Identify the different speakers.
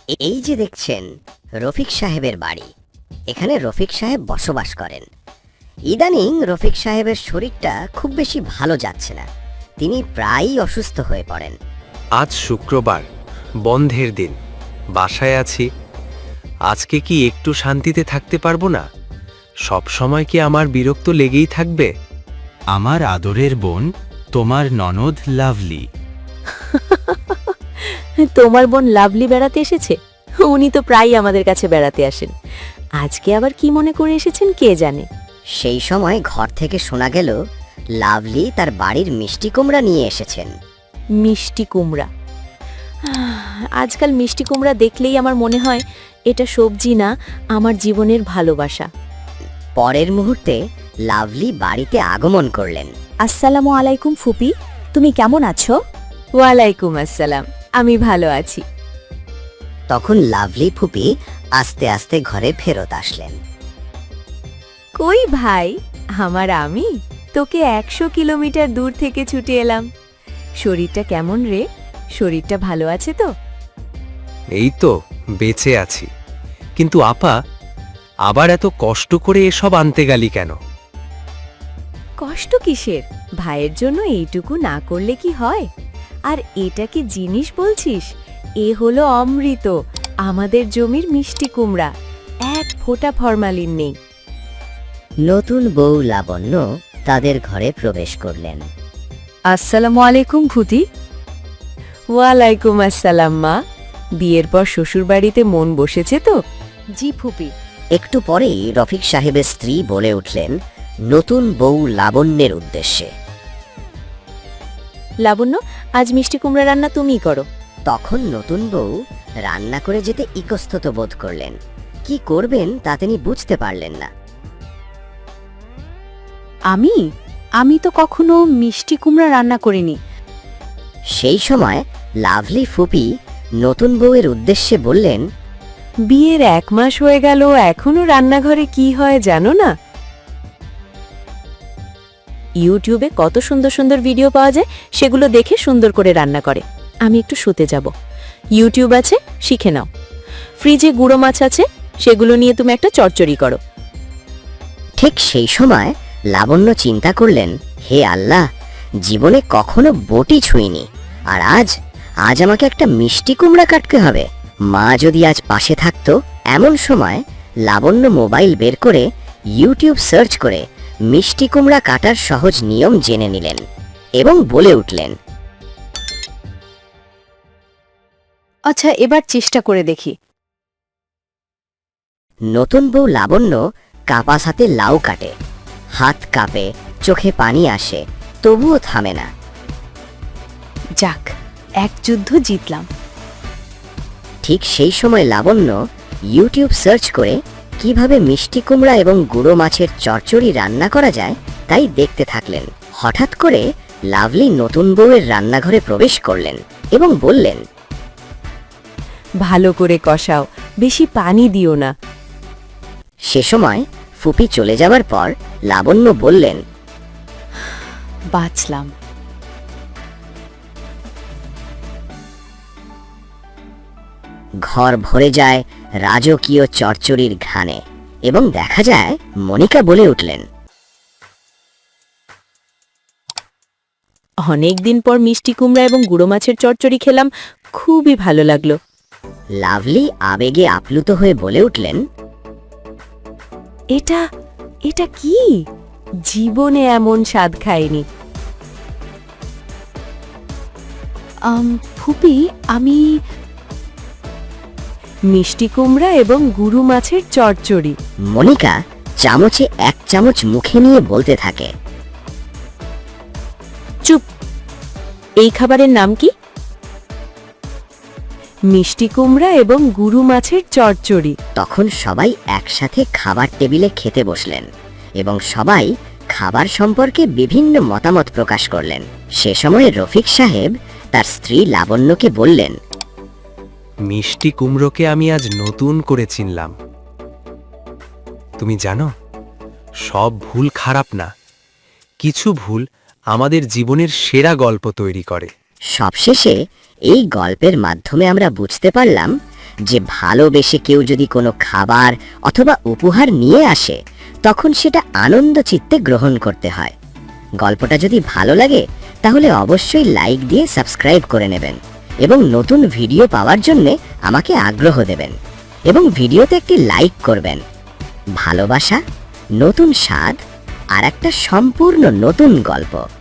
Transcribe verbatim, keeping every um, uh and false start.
Speaker 1: এই যে দেখছেন রফিক সাহেবের বাড়ি। এখানে রফিক সাহেব বসবাস করেন। ইদানিং রফিক সাহেবের শরীরটা খুব বেশি ভালো যাচ্ছে না, তিনি প্রায়ই অসুস্থ হয়ে পড়েন।
Speaker 2: আজ শুক্রবার, বন্ধের দিন, বাসায় আছি। আজকে কি একটু শান্তিতে থাকতে পারবো না? সব সময় কি আমার বিরক্ত লেগেই থাকবে?
Speaker 3: আমার আদরের বোন, তোমার ননদ লাভলি।
Speaker 4: তোমার বোন লাভলি বেড়াতে এসেছে? উনি তো প্রায়ই আমাদের কাছে বেড়াতে আসেন। আজকে আবার কি মনে করে এসেছেন কে জানে।
Speaker 1: সেই সময় ঘর থেকে শোনা গেল লাভলি তার বাড়ির মিষ্টি কুমড়া নিয়ে এসেছেন।
Speaker 4: মিষ্টি কুমড়া? আজকাল মিষ্টি কুমড়া দেখলেই আমার মনে হয় এটা সবজি না, আমার জীবনের ভালোবাসা।
Speaker 1: পরের মুহূর্তে লাভলি বাড়িতে আগমন করলেন।
Speaker 4: আসসালামু আলাইকুম ফুপি, তুমি কেমন আছো? ওয়ালাইকুম আসসালাম, আমি ভালো আছি।
Speaker 1: তখন লাভলি ফুপি আস্তে আস্তে ঘরে ফেরত আসলেন।
Speaker 4: কই ভাই আমার, আমি তোকে একশো কিলোমিটার দূর থেকে ছুটে এলাম। শরীরটা কেমন রে? শরীরটা ভালো আছে তো?
Speaker 2: এই তো বেঁচে আছি, কিন্তু আপা, আবার এত কষ্ট করে এসব আনতে গেলি কেন?
Speaker 4: কষ্ট কিসের? ভাইয়ের জন্য এইটুকু না করলে কি হয়? আর এটা কি জিনিস বলছিস? এ হলো অমৃত, আমাদের জমির মিষ্টি কুমড়া, এক ফোঁটা ফরমালিন নেই।
Speaker 1: নতুন বউ লাবণ্য তাদের ঘরে প্রবেশ করলেন।
Speaker 4: আসসালামু আলাইকুম ফুতি। ওয়ালাইকুম আসসালাম মা। বিয়ের পর শ্বশুর বাড়িতে মন বসেছে তো? জি ফুপি।
Speaker 1: একটু পরেই রফিক সাহেবের স্ত্রী বলে উঠলেন নতুন বউ লাবণ্যের উদ্দেশ্যে,
Speaker 4: লাবণ্য, আজ মিষ্টি কুমড়া রান্না তুমিই করো।
Speaker 1: তখন নতুন বউ রান্না করে যেতে ইতস্তত বোধ করলেন। কি করবেন তা তিনি বুঝতে পারলেন না।
Speaker 4: আমি আমি তো কখনো মিষ্টি কুমড়া রান্না করিনি।
Speaker 1: সেই সময় লাভলি ফুপি নতুন বউয়ের উদ্দেশ্যে বললেন,
Speaker 4: বিয়ের এক মাস হয়ে গেল, এখনো রান্নাঘরে কি হয় জানো না? ইউটিউবে কত সুন্দর সুন্দর ভিডিও পাওয়া যায়, সেগুলো দেখে সুন্দর করে রান্না করে। আমি একটু শুতে যাব। ইউটিউব আছে, শিখে নাও। ফ্রিজে গুঁড়ো মাছ আছে, সেগুলো নিয়ে তুমি একটা চচ্চড়ি করো।
Speaker 1: ঠিক সেই সময় লাবণ্য চিন্তা করলেন, হে আল্লাহ, জীবনে কখনো বটি ছুঁইনি, আর আজ আজ আমাকে একটা মিষ্টি কুমড়া কাটতে হবে। মা যদি আজ পাশে থাকতো। এমন সময় লাবণ্য মোবাইল বের করে ইউটিউব সার্চ করে মিষ্টি কুমড়া কাটার সহজ নিয়ম জেনে নিলেন এবং বলে উঠলেন,
Speaker 4: আচ্ছা, এবার চেষ্টা করে দেখি।
Speaker 1: নতুন বউ লাবণ্য কাপাস হাতে লাউ কাটে। হাত কাঁপে, চোখে পানি আসে, তবুও থামে না।
Speaker 4: যাক, এক যুদ্ধ জিতলাম।
Speaker 1: ঠিক সেই সময় লাবণ্য ইউটিউব সার্চ করে কিভাবে মিষ্টি কুমড়া এবং গুঁড়ো মাছের চচ্চড়ি রান্না করা যায় তাই দেখতে থাকলেন। হঠাৎ করে লাভলি নতুন বউয়ের রান্নাঘরে প্রবেশ করলেন এবং বললেন,
Speaker 4: ভালো করে কষাও, বেশি পানি দিও না।
Speaker 1: সে সময় ফুপি চলে যাওয়ার পর লাবণ্য বললেন,
Speaker 4: বাঁচলাম।
Speaker 1: ঘর ভরে যায় রাজকীয় চচ্চড়ির ঘ্রাণে এবং দেখা যায় মনিকা বলে উঠলেন,
Speaker 4: অনেক দিন পর মিষ্টি কুমড়া এবং গুঁড়ো মাছের চচ্চড়ি খেলাম, খুবই ভালো লাগলো।
Speaker 1: লাভলি আবেগে আপ্লুত হয়ে বলে উঠলেন,
Speaker 4: এটা এটা কি? জীবনে এমন স্বাদ খাইনি। ফুপি, আমি মিষ্টি কুমড়া এবং গুঁড়ো মাছের চচ্চড়ি।
Speaker 1: মনিকা চামচে এক চামচ মুখে নিয়ে বলতে থাকে,
Speaker 4: চুপ, এই খাবারের নাম কি? মিষ্টি কুমড়া এবং গুঁড়ো মাছের চচ্চড়ি।
Speaker 1: তখন সবাই একসাথে খাবার টেবিলে খেতে বসলেন এবং সবাই খাবার সম্পর্কে বিভিন্ন মতামত প্রকাশ করলেন। সে সময় রফিক সাহেব তার স্ত্রী লাবণ্যকে বললেন,
Speaker 2: মিষ্টি কুমড়োকে আমি আজ নতুন করে চিনলাম। তুমি জানো, সব ভুল খারাপ না, কিছু ভুল আমাদের জীবনের সেরা গল্প তৈরি করে।
Speaker 1: সবশেষে এই গল্পের মাধ্যমে আমরা বুঝতে পারলাম যে ভালোবেসে কেউ যদি কোনো খাবার অথবা উপহার নিয়ে আসে তখন সেটা আনন্দ চিত্তে গ্রহণ করতে হয়। গল্পটা যদি ভালো লাগে তাহলে অবশ্যই লাইক দিয়ে সাবস্ক্রাইব করে নেবেন এবং নতুন ভিডিও পাওয়ার জন্য আমাকে আগ্রহ দেবেন এবং ভিডিওতে একটি লাইক করবেন। ভালোবাসা, নতুন স্বাদ আর একটা সম্পূর্ণ নতুন গল্প।